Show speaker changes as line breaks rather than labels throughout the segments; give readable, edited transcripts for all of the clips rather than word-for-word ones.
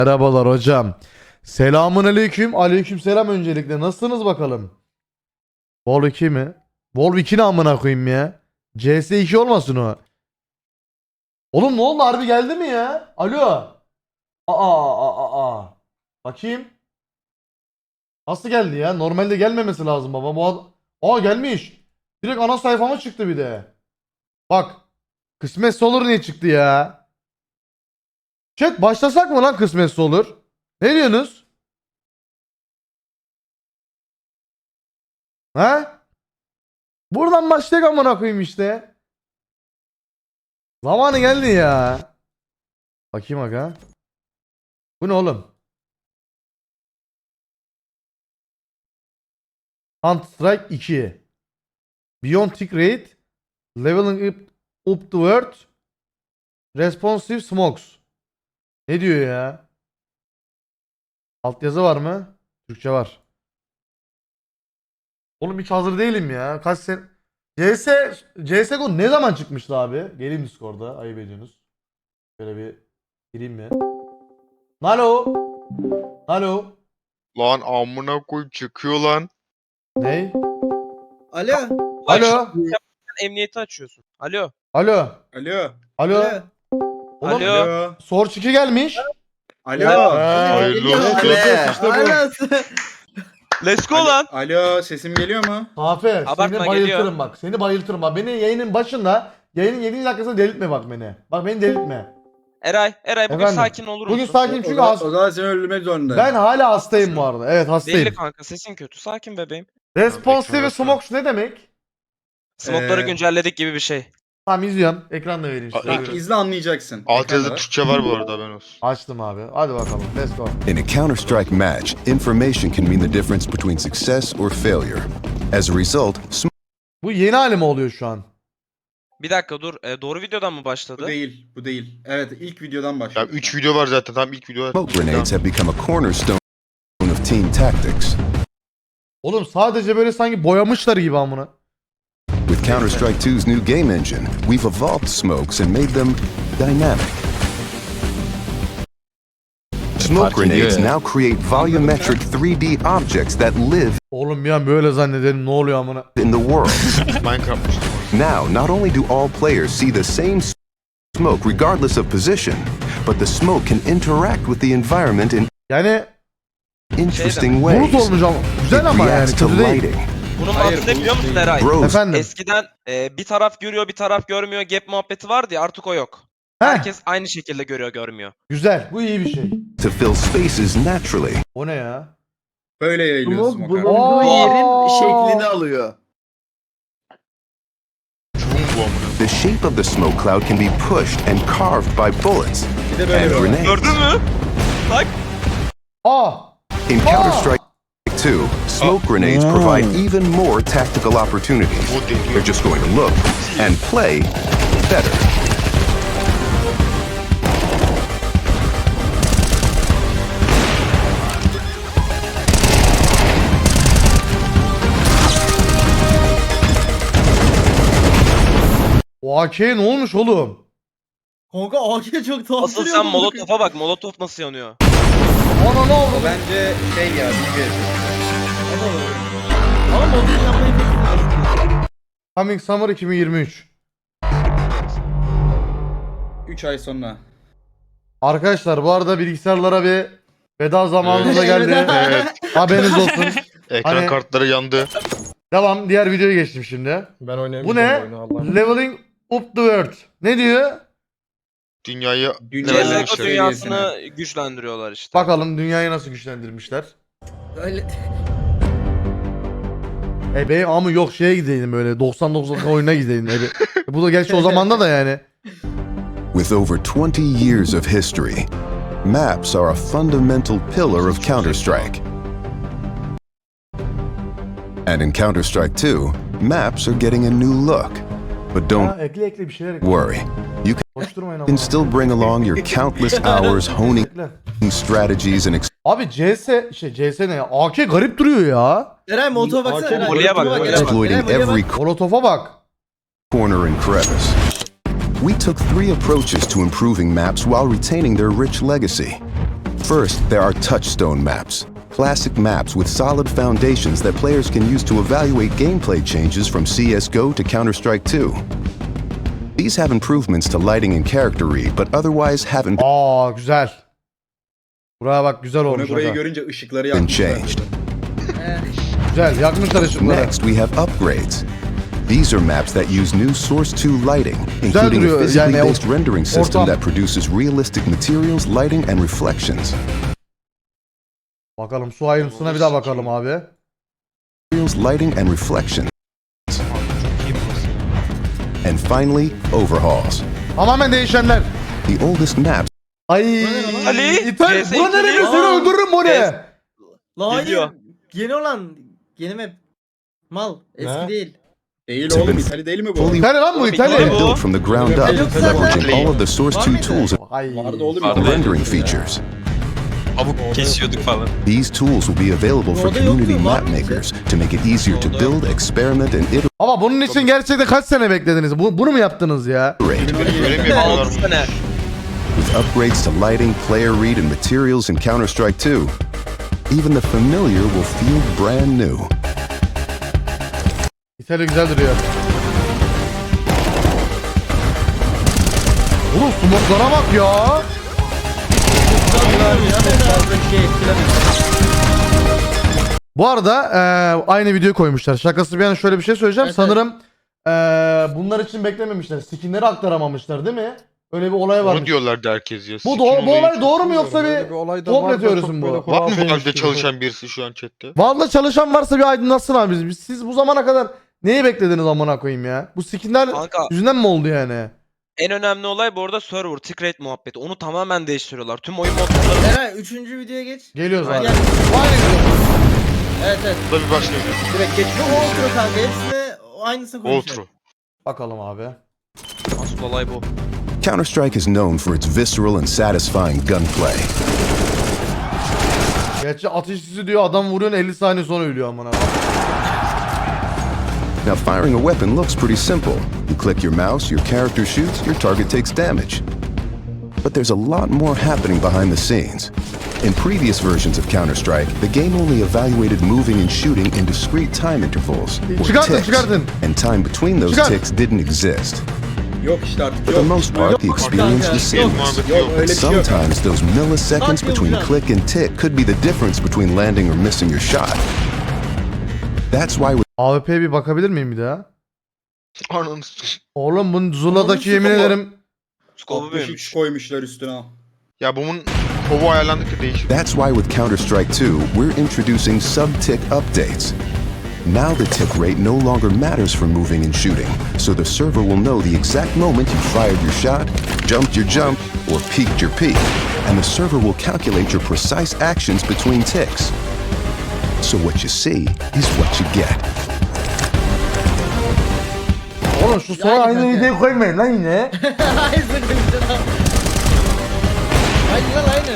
Merhabalar hocam. Selamun aleyküm. Aleyküm selam öncelikle. Nasılsınız bakalım? Vol 2 mi? Vol 2 ne amına koyayım ya? CS2 olmasın o. Oğlum ne oldu, harbi geldi mi ya? Alo. Aa. Bakayım. Nasıl geldi ya? Normalde gelmemesi lazım baba. Aa, gelmiş. Direkt ana sayfama çıktı bir de. Bak. Kısmetse olur niye çıktı ya? Chat başlasak mı lan kısmetse olur? Ne diyorsunuz? Ha? Buradan başlayalım amına koyayım işte. Zamanı geldi ya. Bakayım aga. Bu ne oğlum? Counter Strike 2. Beyond Tick Raid. Leveling up the world. Responsive Smokes. Ne diyor ya? Altyazı var mı? Türkçe var. Oğlum hiç hazır değilim ya. Kaç sen... CSGO ne zaman çıkmıştı abi? Geleyim Discord'a. Ayıp ediyorsunuz. Şöyle bir gireyim mi? Alo. Alo.
Lan amına koy çıkıyor lan.
Ney?
Alo.
Alo.
Emniyeti açıyorsun. Alo.
Alo.
Alo.
Alo. Oğlum
Alo.
Alo.
Source 2 gelmiş.
Alo.
Hayırlı olsun.
Let's go lan.
Alo, sesim geliyor mu?
Aferin.
Abartma,
Seni bayıltırım
geliyor.
bak. Seni bayıltırım bak. Beni yayının başında, yayının 7. dakikasında delirtme bak beni. Bak beni delirtme.
Eray bugün
Efendim?
sakin olur musun?
Bugün sakin çünkü
O zaman seni öldürmek zorundayım.
ben hala hastayım bu arada. Evet hastayım.
Belli kanka, sesin kötü. Sakin bebeğim.
Responsive Smokes ne demek?
Smoke'ları
Ee,
güncelledik gibi bir şey.
Tamam izliyorum. Ekranda vereyim size.
Aa,
Buyurun.
İzle anlayacaksın.
Alt yazıda
Ekranda.
Türkçe var bu arada, ben olsun.
Açtım abi. Hadi bakalım. Let's go.
In a Counter-Strike match, information can mean the difference between success or failure. As a result,
Bu yeni hali mi oluyor şu an?
Bir dakika dur. Doğru videodan mı
Bu
başladı?
değil, bu değil. Evet, ilk videodan
Ya
başlıyor.
3 video var zaten, tam ilk video.
smoke grenades have become a cornerstone of team tactics.
Oğlum sadece böyle sanki boyamışlar gibi amına.
With Counter-Strike 2's new game engine, we've evolved smokes and made them dynamic. Smoke grenades now create volumetric 3D objects that live
Oğlum bir an böyle zannedelim, ne oluyor amına.
in the world.
Minecraft işte.
Now, not only do all players see the same smoke regardless of position, but the smoke can interact with the environment in
Yani
interesting
bulut
ways.
olmuş ama.
It
Güzel ama yani
reacts to
kötü değil.
lighting.
Bunun
Hayır,
mantığı ne
bu
biliyor musun
değil.
Eray?
Bros,
Efendim.
Eskiden bir taraf görüyor bir taraf görmüyor gap muhabbeti vardı ya, artık o yok.
Heh,
Herkes aynı şekilde görüyor görmüyor.
güzel. Bu iyi bir şey.
to fill spaces naturally.
O ne ya?
Böyle yayılıyor
Smoke
smoke abi.
bulunduğu
Aa!
yerin şeklini alıyor.
Çuğum bu amına.
The shape of the smoke cloud can be pushed and carved by bullets
Bir de böyle
and
böyle.
grenades.
Gördün mü? Bak.
Aa!
In Counter-Strike 2, smoke grenades provide even more tactical opportunities.
Bu deniyor.
They're just going to look and play better.
O AK'ye ne olmuş oğlum?
Kanka AK çok tatlı.
Asıl sen Molotov'a bak. Molotov nasıl yanıyor?
Ana ne oldu?
O bence şey ya, bilgi.
Ama modunu yapmayı pek bilmiyorum.
Coming Summer 2023.
3 ay sonra.
Arkadaşlar bu arada bilgisayarlara bir veda zamanında geldi.
Evet.
Haberiniz olsun.
Ekran
Hani-
kartları yandı.
Devam. Diğer videoya geçtim şimdi.
Ben
Bu
oynayamayacağım
ne?
oyunu Allah'ım.
Leveling up the world. Ne diyor?
Dünyayı
Dünya
Level
CSGO
işte.
dünyasını güçlendiriyorlar işte.
Bakalım dünyayı nasıl güçlendirmişler.
Öyle.
Benim ama yok şeye gideydim böyle 99 oyuna gideydim. Bu da gerçi o zamanda da yani.
With over 20 years of history, maps are a fundamental pillar of Counter-Strike. And in Counter-Strike 2, maps are getting a new look. But don't
Ha, ekle bir şeyler ekle.
worry, you
Koşturmayın
can
ama.
still bring along your countless hours honing
Ekle.
strategies and
Abi CS ne ya? AK garip duruyor ya.
Eray motora baksana.
AK
Eray,
Molly'e bak,
motora
Molly'e
Eray,
exploiting
Molly'e bak.
every
Molotov'a bak.
corner and crevice. We took 3 approaches to improving maps while retaining their rich legacy. First, there are touchstone maps, classic maps with solid foundations that players can use to evaluate gameplay changes from CSGO to Counter-Strike 2. These have improvements to lighting and character read, but otherwise haven't
Aa güzel. Buraya bak güzel
Onu
olmuş.
burayı
aga.
görünce ışıkları
been
yakmışlar.
changed.
Güzel yakmışlar ışıkları.
Next, we have upgrades. These are maps that use new Source 2 lighting, including a
duruyor,
physically
yani
based rendering system
ortam.
that produces realistic materials, lighting, and reflections.
Bakalım su ayrıntısına bir daha bakalım abi.
Lighting and reflections. And finally, overhauls.
Tamamen değişenler.
The oldest maps
Ay.
Ali,
İtalya.
CS
Bu ne demek?
İtali.
Seni öldürürüm bu ne?
Lan hayır.
Geliyor.
Yeni olan. Yeni map. Mal. Eski değil.
Değil oğlum, İtalya değil mi bu?
fully
İtalya lan bu
Oğlum,
İtalya.
İtalya bu.
built from the ground up,
Yoksa
leveraging
zaten-
all of the Source
Var
2
mıydı?
tools
Ay.
Vardı oğlum.
and rendering features.
Tavuk kesiyorduk falan.
These tools will be available for
Orada
community
yoktu, var
map
mıydı?
makers to make it easier to build, experiment, and
Ama bunun için gerçekten kaç sene beklediniz? Bunu mu yaptınız ya?
iterate.
Öyle mi
6
yapıyorlar?
sene.
With upgrades to lighting, player read, and materials in Counter-Strike 2, even the familiar will feel brand new.
İtalya güzel duruyor. Oğlum smoklara bak ya. Bu arada aynı videoyu koymuşlar. Şakası bir yana şöyle bir şey söyleyeceğim.
Evet,
Sanırım bunlar için beklememişler. Skinleri aktaramamışlar değil mi? Öyle bir olay
Onu
varmış.
diyorlardı herkes ya.
Bu,
Skin
bu
olayı
olay
çok-
doğru mu yoksa bir komple teorisi bu?
Var mı Valve'de çalışan birisi şu an chatte?
Vallahi çalışan varsa bir aydınlatsın abi bizi. Siz bu zamana kadar neyi beklediniz amına koyayım ya? Bu skinler
Kanka
yüzünden mi oldu yani?
en önemli olay bu arada server, tick rate muhabbeti. Onu tamamen değiştiriyorlar. Tüm oyun modları
Eray 3. videoya geç.
Geliyoruz abi.
Yani,
Aynı video.
evet evet.
Bu da bir başka video.
Direkt geç.
Bu outro kanka. Hepsini aynısını konuşuyor.
Outro.
Bakalım abi.
asıl olay bu.
Counter-Strike is known for its visceral and satisfying gunplay.
Gerçi atış izi diyor adam vuruyorsun 50 saniye sonra ölüyor amına.
Now, firing a weapon looks pretty simple. You click your mouse, your character shoots, your target takes damage. But there's a lot more happening behind the scenes. In previous versions of Counter-Strike, the game only evaluated moving and shooting in discrete time intervals, or
Çıkartın,
ticks,
çıkartın.
and time between those
Çıkart.
ticks didn't exist.
Yok işte artık
For
yok.
the most part, the experience was seamless.
Muhabbeti
Yok
yok.
öyle bir şey yok.
Sometimes those milliseconds
Bak
between
yavrum.
click and tick could be the difference between landing or missing your shot. That's why with
AWP'ye bir bakabilir miyim bir daha?
Ananı s-
Oğlum bunun Zula'daki
Onun
yemin
scope'u.
ederim.
Skopu
63
büyümüş.
koymuşlar üstüne al.
Ya bunun kovu ayarlandıkça değişiyor.
That's why with Counter-Strike 2, we're introducing sub-tick updates. Now the tick rate no longer matters for moving and shooting, so the server will know the exact moment you fired your shot, jumped your jump, or peeked your peek, and the server will calculate your precise actions between ticks. So what you see is what you get.
Oğlum şu sonra
Yani
aynı
kanka.
videoyu koymayın lan yine.
Aynısını konuşuyor. Aynı lan aynı.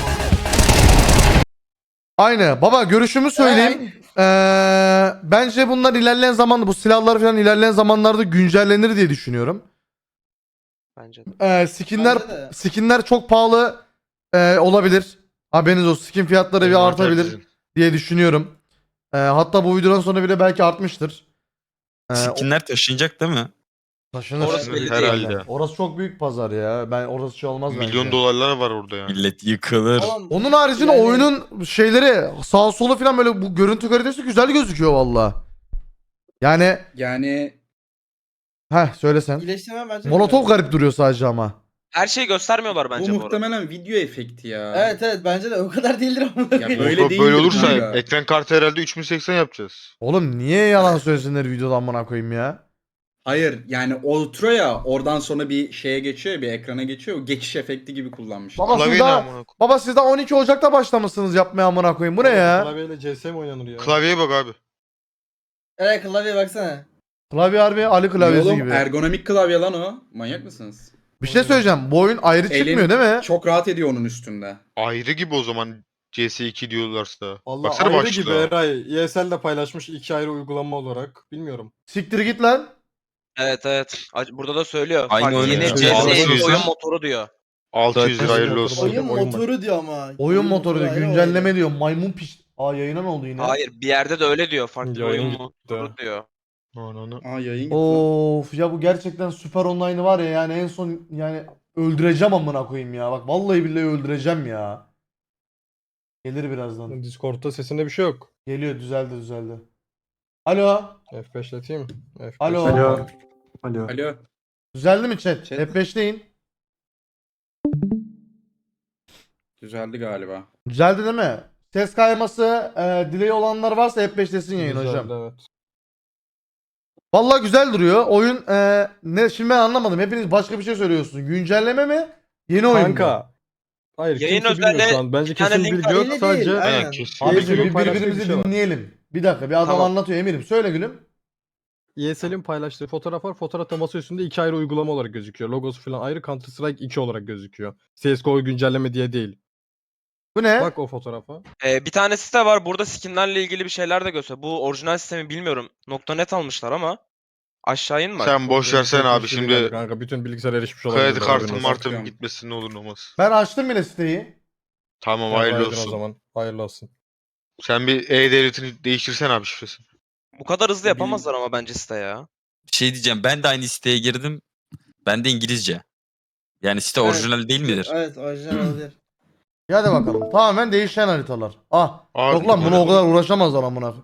Aynı. Baba görüşümü söyleyeyim. Bence bunlar ilerleyen zamanda bu silahlar falan ilerleyen zamanlarda güncellenir diye düşünüyorum.
Bence de.
Skinler
Bence de.
skinler çok pahalı olabilir. Haberiniz olsun. Skin fiyatları bir artabilir diye düşünüyorum. Hatta bu videodan sonra bile belki artmıştır.
Skinler taşınacak değil mi?
Taşınır.
Orası belli değil.
Herhalde.
Orası çok büyük pazar ya. Ben orası şey olmaz bence.
Milyon dolarlar var orada yani.
Millet yıkılır.
Oğlum,
Onun haricinde
Yani-
oyunun şeyleri sağ solu falan böyle bu görüntü kalitesi güzel gözüküyor valla. Yani
Yani
söylesen.
iyileştirme bence.
Molotov garip duruyor sadece ama.
Her şeyi göstermiyorlar
bu
bence bu arada.
muhtemelen video efekti ya.
Evet evet bence de o kadar değildir ama.
Ya böyle
Böyle,
değildir
böyle olursa
kanka.
ekran kartı herhalde 3080 yapacağız.
Oğlum niye yalan söylesinler videoda amına koyayım ya?
Hayır yani outro ya oradan sonra bir şeye geçiyor, bir ekrana geçiyor. O geçiş efekti gibi kullanmışlar.
Baba siz
Klavye ne
daha,
amına koyayım?
baba siz daha 12 Ocak'ta başlamışsınız yapmaya amına koyayım. Bu ne ya?
Klavyeyle CS mi oynanır ya?
Klavyeye bak abi.
Evet klavyeye baksana.
Klavye harbi Ali klavyesi
Oğlum,
gibi.
ergonomik klavye lan o. Manyak mısınız?
Bir şey söyleyeceğim. Bu oyun ayrı
Elin
çıkmıyor değil mi?
Çok rahat ediyor onun üstünde.
Ayrı gibi o zaman CS2 diyorlarsa.
Allah
Baksana
ayrı
başlığa.
gibi Eray. ESL de paylaşmış 2 ayrı uygulama olarak. Bilmiyorum.
Siktir git lan.
Evet evet. Burada da söylüyor.
Aynı
Farklı
oyunu
yeni
ya.
CS
Bağlı
oyun
yüzden.
motoru diyor.
600 lira hayırlı
Motoru
olsun.
Oyun
Oyun
motoru diyor ama.
Oyun motoru diyor.
ayrı
Güncelleme
oyun.
diyor. Maymun piş. Aa yayına ne oldu yine?
Hayır bir yerde de öyle diyor. Farklı bir
Yayın
oyun
gitti.
motoru diyor.
Ananı.
Aa yayın gitti lan.
Of ya bu gerçekten süper online var ya yani en son yani öldüreceğim amına koyayım ya. Bak vallahi billahi öldüreceğim ya. Gelir birazdan.
Discord'da sesinde bir şey yok.
Geliyor düzeldi. Alo.
F5'leteyim. F5.
Alo.
Alo.
Düzeldi mi chat?
Chat.
F5'teyin.
Düzeldi galiba.
Düzeldi değil mi? Ses kayması, delay olanlar varsa F5'tesin yayın
Güzeldi,
hocam.
Evet.
Vallahi güzel duruyor. Oyun ne şimdi ben anlamadım. Hepiniz başka bir şey söylüyorsunuz. Güncelleme mi? Yeni oyun mu?
Kanka. Hayır
Yayın
kimse bilmiyor
özelliği
şu an. Bence
bir tane
kesin
link
bilgi
var.
yok.
Öyle
Sadece
değil, aynen.
Aynen kesin.
Abi
ESL'in
bir
paylaştığı
birbirimizi
bir şey var.
dinleyelim. Bir dakika bir adam
Tamam.
anlatıyor Emir'im. Söyle gülüm.
ESL'in paylaştığı fotoğraf var. Fotoğrafta masa üstünde 2 ayrı uygulama olarak gözüküyor. Logosu falan ayrı, Counter Strike 2 olarak gözüküyor. CSGO güncelleme diye değil.
Bu ne?
Bak o fotoğrafa.
Bir tane site var. Burada skinlerle ilgili bir şeyler de gösteriyor. Bu orijinal sistemi bilmiyorum. .net almışlar ama. Aşağı in bak.
Sen boş versene abi
Hiçbir şey değil
şimdi
kanka. Bütün bilgisayar erişmiş olabilir.
kredi kartın
olsun.
martın gitmesin ne olur ne olmaz.
Ben açtım bile siteyi.
Tamam
Hayırlı
hayırlı
o
olsun.
zaman. Hayırlı olsun.
Sen bir E-Devlet'ini değiştirsen abi şifresini.
Bu kadar hızlı yapamazlar ama bence site ya.
Şey diyeceğim, ben de aynı siteye girdim. Ben de İngilizce. Yani site
Evet.
orijinal değil midir?
Evet orijinal olabilir.
Hadi bakalım. Tamamen değişen haritalar. Ah.
Abi,
Yok lan buna o kadar uğraşamazlar amına.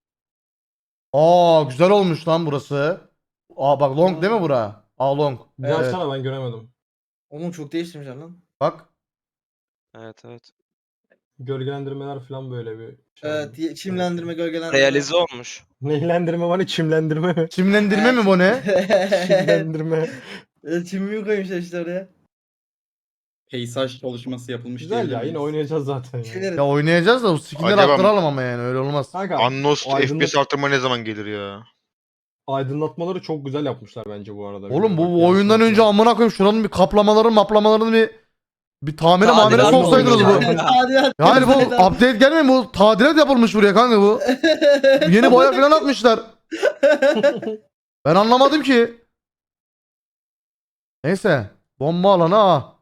Aa güzel olmuş lan burası. Aa bak long değil mi bura? Aa long.
Bir
Evet.
açsana, ben göremedim.
Oğlum çok değiştirmişler lan.
Bak.
Evet.
Gölgelendirmeler falan böyle bir şey.
Evet çimlendirme gölgelendirme.
Realize olmuş.
Neylendirme var ya, çimlendirme mi?
Çimlendirme mi bu ne?
Çimlendirme.
Çimimi koymuşlar işte oraya.
Peysaj çalışması yapılmış
Güzel ya,
diyebilir
yine
miyiz?
oynayacağız zaten ya.
Şeyler-
Ya oynayacağız da bu skinleri
Acaba-
attıralım ama yani öyle olmaz.
Kanka
Unlost
aydınlat-
FPS arttırma ne zaman gelir ya?
aydınlatmaları çok güzel yapmışlar bence bu arada.
Oğlum
Bak,
bu oyundan
yansıması
önce
var.
amına koyayım şuranın bir kaplamalarını bir tamire
Tadilat
mamire
mı
soksaydınız bu.
olmuş?
Tadilat.
Yani bu update gelmiyor mu? Bu tadilat yapılmış buraya kanka bu. Yeni boya falan atmışlar. Ben anlamadım ki. Neyse. Bomba alanı ha.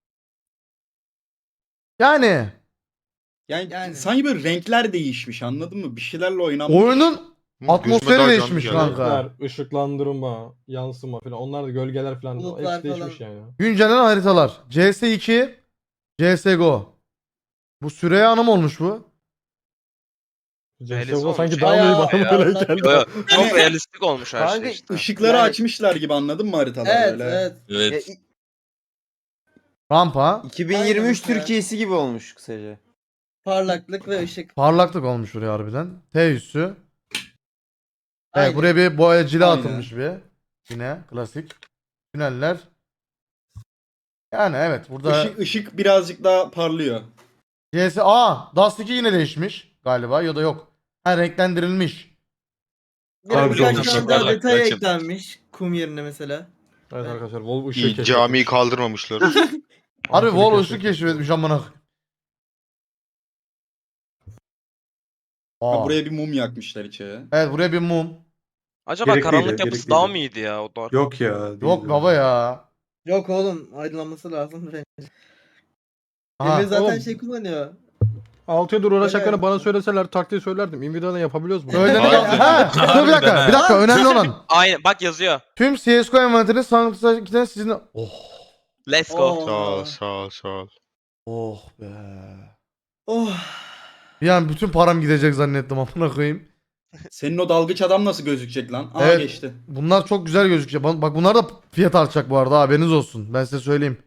Yani
Yani sanki böyle renkler değişmiş, anladın mı? Bir şeylerle oynanmış.
oyunun
Hı,
Atmosferi
gözüme daha canlı
değişmiş
geldi.
kanka.
Renkler, ışıklandırma, yansıma falan, onlar da gölgeler falan
Bulutlar
hepsi değişmiş
falan.
yani.
güncelen haritalar. CS2, CSGO. Bu Süreyya Hanım olmuş bu.
Realize
CSGO
olmuş.
sanki daha
Bayağı
iyi bana
ya,
böyle
onlar-
geldi.
Yo, çok realistik olmuş her
Kanka
şey işte.
ışıkları
Yani-
açmışlar gibi, anladın mı haritalar
Evet
böyle?
evet.
Evet.
Rampa.
2023
Aynen.
Türkiye'si gibi olmuş kısaca.
Parlaklık ve ışık.
Parlaklık olmuş buraya harbiden. T üssü. Evet
Aynen.
buraya bir boyacıyla
Aynen.
atılmış bir. Yine klasik. Tüneller. Yani evet burada
Işık birazcık daha parlıyor.
Dust 2 yine değişmiş galiba ya da yok. Ha renklendirilmiş.
Biraz
Abi,
birkaç tane
parlak,
daha detay
açım.
eklenmiş. Kum yerine mesela.
Evet arkadaşlar, Volvo ışığı
İyi,
keşfetmiş.
camiyi kaldırmamışlar.
Harbi
Ampulü
Vol ışık
keşfetmiş.
keşfetmiş amına.
Ha,
Aa.
buraya bir mum yakmışlar içeri.
Evet buraya bir mum.
Acaba
Gerekliydi,
karanlık yapısı
gerekliydi.
daha mı iyiydi ya? O da...
Yok ya. değil
Yok baba ya.
Yok oğlum aydınlanması lazım bence.
Aha.
Emre zaten
Oğlum.
şey kullanıyor.
6 yıldır uğraşacaklarını
Öyle.
bana söyleseler taktiği söylerdim. Nvidia'dan yapabiliyoruz bunu.
Öyle
Harbiden.
ha, dur bir dakika. Bir dakika önemli olan.
Aynen bak yazıyor.
Tüm CSGO envanterinin sanatçılarından sizin... Oh.
Let's go.
Oo.
Sağ ol sağ ol.
Oh be.
Oh.
Bir an bütün param gidecek zannettim amına koyayım.
Senin o dalgıç adam nasıl gözükecek lan? Aa
Evet.
geçti.
Bunlar çok güzel gözüküyor. Bak bunlar da fiyat artacak bu arada haberiniz olsun. Ben size söyleyeyim.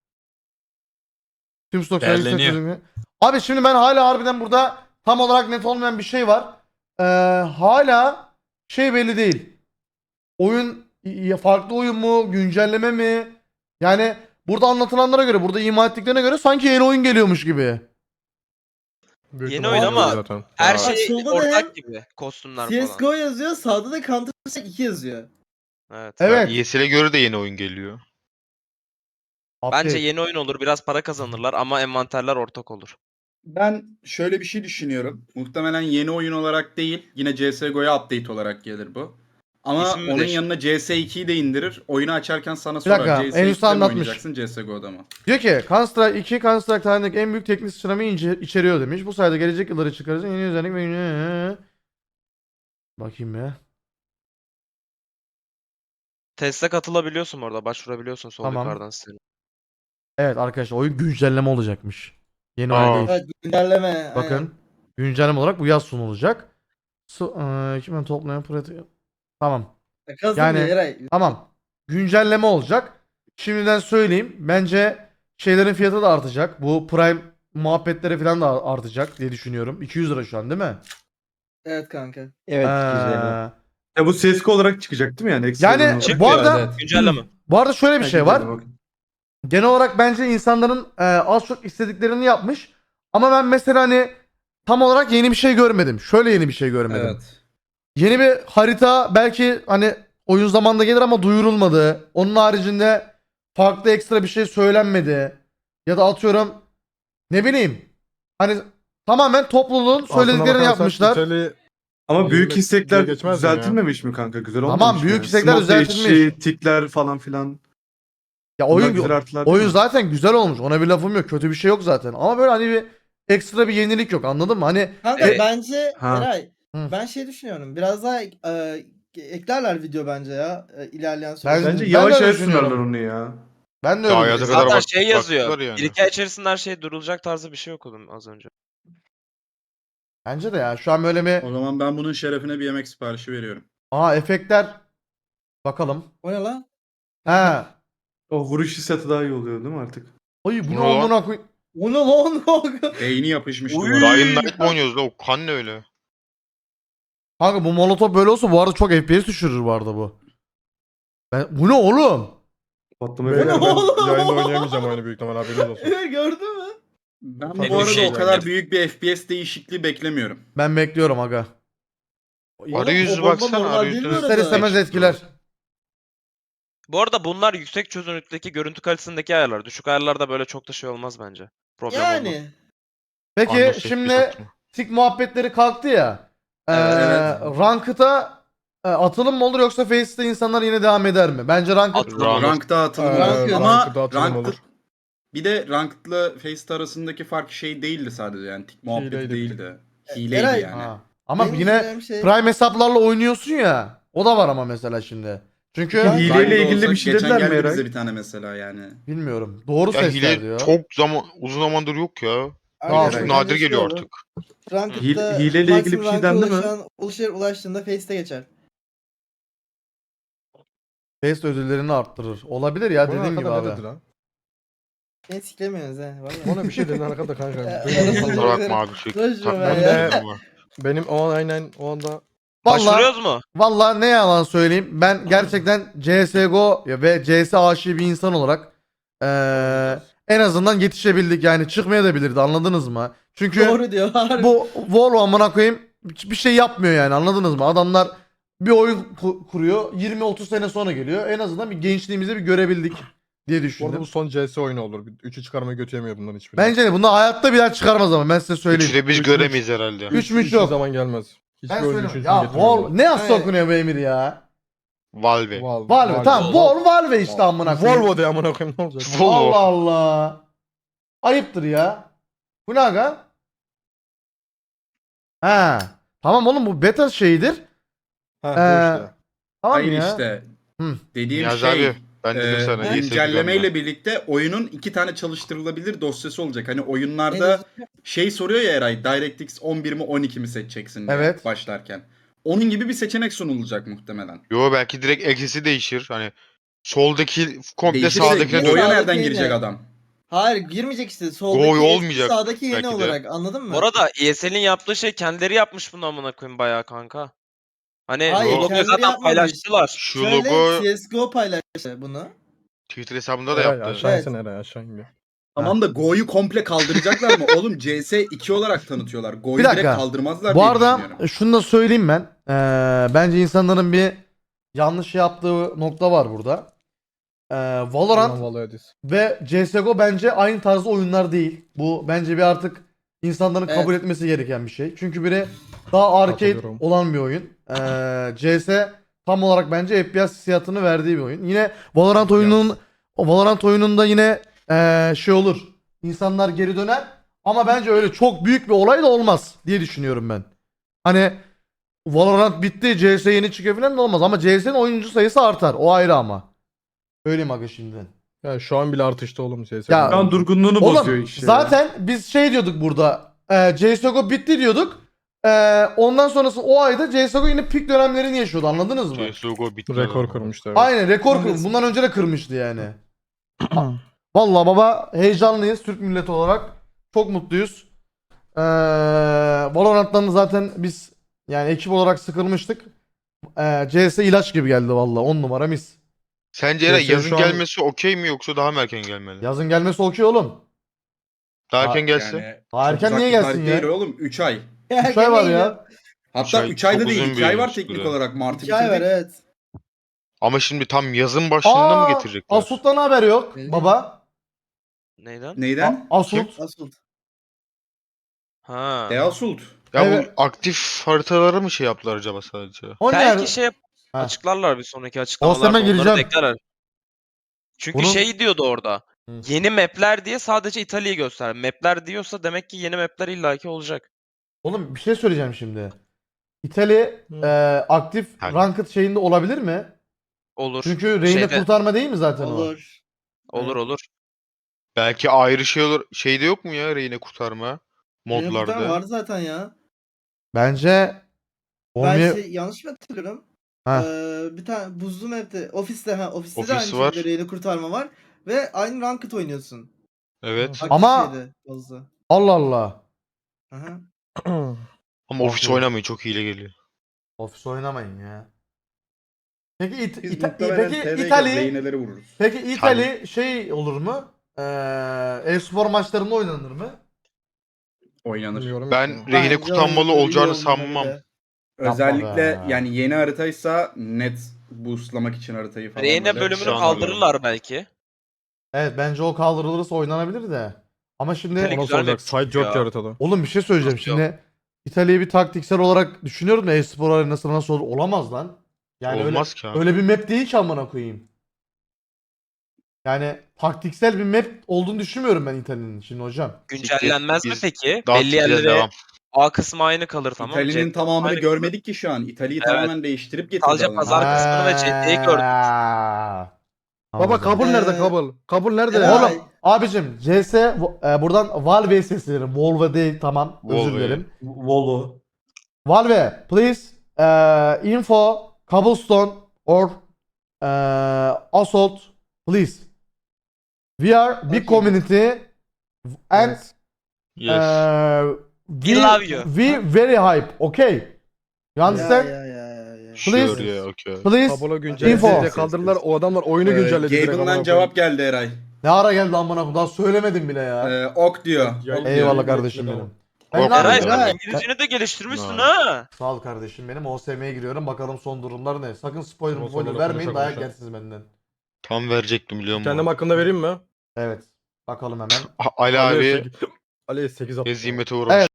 Tüm stok
Değerleniyor.
servisi- Abi şimdi ben hala harbiden burada tam olarak net olmayan bir şey var. Hala şey belli değil. Oyun farklı oyun mu, güncelleme mi? Yani burada anlatılanlara göre, burada ima ettiklerine göre sanki yeni oyun geliyormuş gibi.
Büyük
Yeni
ihtimalle
oyun ama
zaten.
Her
Bak,
şey
solda da
ortak
hem
gibi. Kostümler falan.
CSGO yazıyor sağda da Counter Strike 2 yazıyor.
Evet.
Evet.
ESL'e göre de yeni oyun geliyor.
Bence
Update.
yeni oyun olur. Biraz para kazanırlar ama envanterler ortak olur.
Ben şöyle bir şey düşünüyorum. Muhtemelen yeni oyun olarak değil, yine CSGO'ya update olarak gelir bu. Ama
İsim mi
onun
değişti?
yanına CS2'yi de indirir. Oyunu açarken sana
Bir dakika,
sorar.
en
CS2'de
üstte
mi
anlatmış.
oynayacaksın CSGO'da mı?
Diyor ki Counter-Strike 2 Counter-Strike tarihindeki en büyük teknik sıçramayı içeriyor demiş. Bu sayede gelecek yılları çıkaracak yeni özellik ve bakayım ya.
Teste katılabiliyorsun orada. Başvurabiliyorsun sol
Tamam.
yukarıdan sitenin.
Evet arkadaşlar oyun güncelleme olacakmış. Yeni
Aa.
oyun değil.
Evet güncelleme.
Bakın güncelleme olarak bu yaz sunulacak. Kimin toplayan pratik. Tamam.
Kazım
Yani-
Eray.
Tamam. Güncelleme olacak. Şimdiden söyleyeyim. Bence şeylerin fiyatı da artacak. Bu Prime muhabbetleri falan da artacak diye düşünüyorum. 200 lira şu an değil mi?
Evet kanka.
Evet
Ee,
Ya bu CSGO olarak çıkacak değil mi yani? Ekstra
Yani
olarak?
bu arada
Evet.
Güncelleme.
bu arada şöyle bir şey var.
Güncelleme, okey.
Genel olarak bence insanların az çok istediklerini yapmış. Ama ben mesela hani tam olarak yeni bir şey görmedim. Şöyle yeni bir şey görmedim.
Evet.
Yeni bir harita belki hani oyun zamanında gelir ama duyurulmadı. Onun haricinde farklı ekstra bir şey söylenmedi. Ya da atıyorum ne bileyim hani tamamen topluluğun
Aslına
söylediklerini
bakarsan
yapmışlar.
İtalya-
Ama büyük
Diye
istekler
geçmez mi ya?
düzeltilmemiş mi kanka? Güzel
Tamam,
olmamış mı
büyük
yani?
istekler
Smoke
düzeltilmiş.
değişi, tikler falan filan.
Ya
Bunlar
oyun
güzel artılar değil
oyun
mi?
zaten güzel olmuş. Ona bir lafım yok. Kötü bir şey yok zaten. Ama böyle hani bir ekstra bir yenilik yok. Anladın mı? Hani
Kanka
Evet.
bence
Ha.
Eray
Hı.
ben şey düşünüyorum. Biraz daha eklerler video bence ya ilerleyen süreçte.
Ben
Bence
de
yavaş
öyle
yavaş
düşünüyorum.
sunarlar onu ya.
ben de
Daha
öyle
ya da
düşünüyorum.
kadar
Zaten
bak-
şey yazıyor.
baktılar yani.
1-2 ay içerisinde her şey durulacak tarzı bir şey okudum az önce.
Bence de ya. Şu an böyle bir
O zaman ben bunun şerefine bir yemek siparişi veriyorum.
efektler bakalım.
O ne lan?
He.
O vuruş hissiyatı daha iyi oluyor değil mi artık?
Oy bu ne
Bu ne lan?
amına koy.
O ne lan?
Beyni yapışmış
Uy.
duvara.
Dying Light mı oynuyoruz la? O kan ne öyle?
Kanka bu molotof böyle olsa bu arada çok FPS düşürür bu arada bu. Bu ne oğlum?
Patlama
Beyler
efekti.
ben
oğlum?
yayında oynayamayacağım oyunu büyük ihtimal haberiniz olsun.
Evet gördün mü?
Ben
Tabii
bu arada
bir şey
o kadar
yani.
büyük bir FPS değişikliği beklemiyorum.
Ben bekliyorum aga.
Arayüzü
o bomba
baksana,
normal
arayüzü-
değil mi
İster
orada?
istemez etkiler.
Bu arada bunlar yüksek çözünürlükteki görüntü kalitesindeki ayarlar. Düşük ayarlarda böyle çok da şey olmaz bence. Problem olmaz.
Yani.
Peki
Anlasız bir
şimdi
saçma.
tik muhabbetleri kalktı ya.
Evet.
Ranked'a atılım mı olur yoksa Face'te insanlar yine devam eder mi? Bence Ranked
Atılım.
Rank'ta atılım
Rank-
olur. Ama
Ranked'da atılım
Ranked
olur.
bir de Ranked'la Faceit arasındaki fark şey değildi sadece yani tik muhabbeti
Hileydi bir tık.
değildi. Hileydi
Eray-
yani.
Ha. Ama
Benim
yine
diyeceğim şey-
Prime hesaplarla oynuyorsun ya. O da var ama mesela şimdi. Çünkü
Ya hileyle
Prime'de
ilgili
olsa
bir şey
geçen
dediler mi
geldi
Eray?
bize bir tane mesela yani.
bilmiyorum. Doğru
Ya
sesler
hile
diyor.
çok uzun zamandır yok ya.
Arkadaşlar,
Çok
bence
nadir
şu
geliyor
olur.
artık.
Ranked'da
Hileyle ilgili
maksimum
bir şey
ranka
dendi mi?
ulaştığında Face'te geçer.
Face ödüllerini arttırır. Olabilir ya
Bunun
dediğim gibi
arkada ne
abi.
dedi lan?
Beni siklemiyorsunuz he. Vallahi.
Bana bir şey dedi arkada kanka.
Ee,
Arasında-
Kusura bakma abi sürekli
Boş ver
takmam
ya.
lazım ama.
Benim o aynen o anda
Vallahi
Başvuruyoruz mu?
vallahi ne yalan söyleyeyim. Ben gerçekten CS:GO ve CS aşığı bir insan olarak en azından yetişebildik yani çıkmaya da bilirdi anladınız mı? Çünkü
Doğru diyor. Harbi.
bu Volvo amına koyayım bir şey yapmıyor yani anladınız mı? Adamlar bir oyun kuruyor 20-30 sene sonra geliyor. En azından bir gençliğimizi bir görebildik diye
bu arada
düşündüm.
bu son CS oyunu olur. 3'ü çıkarmayı götüremiyor bundan hiçbiri.
Bence de bunu hayatta bir daha çıkarmaz ama ben size
Üçü
söyleyeyim.
de biz
Üç-
göremeyiz herhalde.
Üç müç
Hiçbir
yok.
zaman gelmez. Hiçbir
Ben
oyun
söyleyeyim.
üçüncüsünü
Ya
getirmiyor.
Vol ne nasıl
Evet.
okunuyor bu Emir ya?
Valve.
Valve tamam Valve işte amına koyayım.
Volvo de amına koyayım ne olacak?
Volvo.
Allah Allah. Ayıptır ya. Bu ne aga? Ha. Tamam oğlum bu beta şeyidir.
Ha
Ee,
bu işte.
Tamam
Hayır
ya.
işte.
Hı.
Dediğim
Yaz
şey
abi. Ben dedim sana. iyi
güncellemeyle birlikte oyunun 2 tane çalıştırılabilir dosyası olacak. Hani
En
oyunlarda
azından-
şey soruyor ya Eray, DirectX 11 mi 12 mi seçeceksin diye
Evet.
başlarken. Onun gibi bir seçenek sunulacak muhtemelen.
Yo belki direkt eksisi değişir. Hani soldaki komple
Değişirse
sağdakine
Go'ya
Sağdaki
nereden
yine.
girecek adam?
Hayır girmeyecek işte. Soldaki
Gol
eski,
olmayacak
sağdaki yeni
belki de.
olarak anladın mı?
Bu arada ESL'in yaptığı şey kendileri yapmış bunu amına koyayım bayağı kanka. Hani
Hayır,
logoyu
kendileri
zaten
yapmamış.
paylaştılar.
şu
Şöyle
logo
CSGO paylaştı bunu.
Twitter hesabında da
Eray
yaptı.
aşağı
Evet.
insene Eray aşağı in bir.
Tamam da Go'yu komple kaldıracaklar mı? Oğlum CS2 olarak tanıtıyorlar. Go'yu
Bir dakika.
direkt kaldırmazlar
Bu
diye
arada
düşünüyorum.
şunu da söyleyeyim ben. Bence insanların bir yanlış yaptığı nokta var burada. Valorant
Ulan Valo'ya diz.
ve CSGO bence aynı tarzda oyunlar değil. Bu bence bir artık insanların kabul etmesi gereken bir şey. Çünkü biri daha arcade
Katılıyorum.
olan bir oyun. CS tam olarak bence FPS hissiyatını verdiği bir oyun. Yine Valorant oyununda yine şey olur. İnsanlar geri döner ama bence öyle çok büyük bir olay da olmaz diye düşünüyorum ben. Hani Valorant bitti, CS yeni çıkıyor falan da olmaz ama CS'nin oyuncu sayısı artar. O ayrı ama. Öyleyim aga şimdiden.
Yani şu an bile artışta oğlum CS.
Ya-
Şu an durgunluğunu bozuyor
Oğlum
iş ya.
zaten biz şey diyorduk burada. CSGO bitti diyorduk. Ondan sonrası o ayda CSGO yine pik dönemlerini yaşıyordu, anladınız mı?
CSGO bitti.
Rekor kırmıştı. Evet.
Aynen rekor kırmış. Bundan önce de kırmıştı yani. Vallahi baba heyecanlıyız Türk milleti olarak. Çok mutluyuz. Valorant'tan da zaten biz yani ekip olarak sıkılmıştık. CS ilaç gibi geldi vallahi 10 numara mis.
Sence Eray
CS:GO
yazın
şu an-
gelmesi okey mi yoksa daha mı erken gelmeli?
Yazın gelmesi okey oğlum.
Daha
Aa,
erken gelse.
Yani
Daha
çok
erken
uzak
niye
bir
gelsin
tarih
ya?
değil oğlum 3 ay.
Üç ay var ya.
Hatta
ay
3 ayda
çok
değil
uzun
2
bir
ay var
süre.
teknik olarak. Mart'ı
2 ay var
bitirdik.
evet.
Ama şimdi tam yazın başında mı getirecekler?
Asut'tan haber yok
Belli.
baba.
Neyden?
Neyden?
Asult.
Asıl.
Ha.
Easult.
Ya
Evet.
bu aktif haritaları mı şey yaptılar acaba sadece?
O
Belki
nerede?
şey
Ha.
açıklarlar bir sonraki
Osman'a
açıklamalarda onları da
gireceğim.
eklerler. Çünkü
Bunun-
şey diyordu orada.
Hı.
Yeni map'ler diye sadece İtalya'yı göster. Map'ler diyorsa demek ki yeni map'ler illaki olacak.
Oğlum bir şey söyleyeceğim şimdi. İtalya aktif
Yani.
ranked şeyinde olabilir mi?
Olur.
Çünkü reyne
Şeyde-
kurtarma değil mi zaten o?
Olur.
Olur olur.
Belki ayrı şey olur. Şeyde yok mu ya reyne kurtarma?
Benim bir tane
Modlarda.
vardı zaten ya.
Bence
Ben
olmaya...
şey yanlış mı hatırlıyorum?
Ha.
Bir tane buzlu map'te ofiste ofiste de
Ofis
aynı
var.
şekilde reyna kurtarma var ve aynı ranked oynuyorsun.
Evet.
Aktif
Ama-
şeyde, buzlu.
Allah Allah.
Aha.
Ama ofis
Bakıyorum.
oynamayın çok hile geliyor.
Ofis oynamayın ya. Peki
Biz muhtemelen TR'ye
İtalya
reyneleri vururuz.
Peki İtalya şey olur mu? E-spor maçlarında oynanır mı?
Oynanır.
Bilmiyorum
Ben
ki.
rehine
Bence
kutanmalı
oynanır, iyi
olacağını
olmalı
sanmam.
bile.
Özellikle
be.
yani yeni haritaysa net boostlamak için haritayı falan.
Reyne
böyle
bölümünü
şu an
kaldırırlar belki.
Evet bence o kaldırılırsa oynanabilir de. Ama şimdi
İtalya
O nasıl
güzel
olacak?
map
Side
çıktı
yok ki
ya.
haritada.
oğlum bir şey söyleyeceğim
Nasıl yok?
şimdi. İtalya'yı bir taktiksel olarak düşünüyorum da e-spor arenası nasıl olur? Olamaz lan. Yani
Olmaz ki abi.
öyle bir map değil ki amına koyayım. Yani taktiksel bir map olduğunu düşünmüyorum ben İtalya'nın şimdi hocam.
Güncellenmez mi
Biz
peki?
daha
Belli
tikeceğiz,
yerlere
devam.
A kısmı aynı kalır tamam mı?
İtalya'nın
C
tamamını
aynı
görmedik ki şu an. İtalya'yı
Evet.
tamamen değiştirip getirdi
Sadece
adamlar.
pazar kısmını ve CT'yi gördük.
Baba
Anladım.
kabul nerede
Ee,
kabul? Kabul nerede?
Eray.
Oğlum abicim CS buradan Valve'ye seslenirim. Volve değil tamam özür
Volve.
dilerim.
Volo.
Valve please info cobblestone or assault please. We are big
Okay.
community and
Evet.
Yes.
we
love you.
We very hype. Okay. You understand?
Ya.
Sure
please-
yeah okay.
Please.
Kabul'u
Info.
güncelledi kaldırdılar. O adamlar oyunu güncelledi. direkt amına
Gaben'dan
koyayım.
cevap geldi Eray.
Ne ara geldi amına koyayım? Daha söylemedim bile ya.
Ok diyor.
Ya-
Ok
Eyvallah
diyor.
kardeşim benim.
Korkma
Ben ne
Eray
yapayım?
sen
Eray.
İngilizceni de geliştirmişsin
Ha.
ha.
Sağ ol kardeşim benim. OSM'ye giriyorum. Bakalım son durumlar ne? Sakın spoiler
Ondan
spoiler
sonra
vermeyin.
konuşa
Dayak
konuşa.
yersiniz benden.
Tam verecektim biliyor musun?
Kendim hakkında vereyim mi?
Evet. Bakalım hemen.
Ali abi
Ali 8 attı.
hezimete uğramış.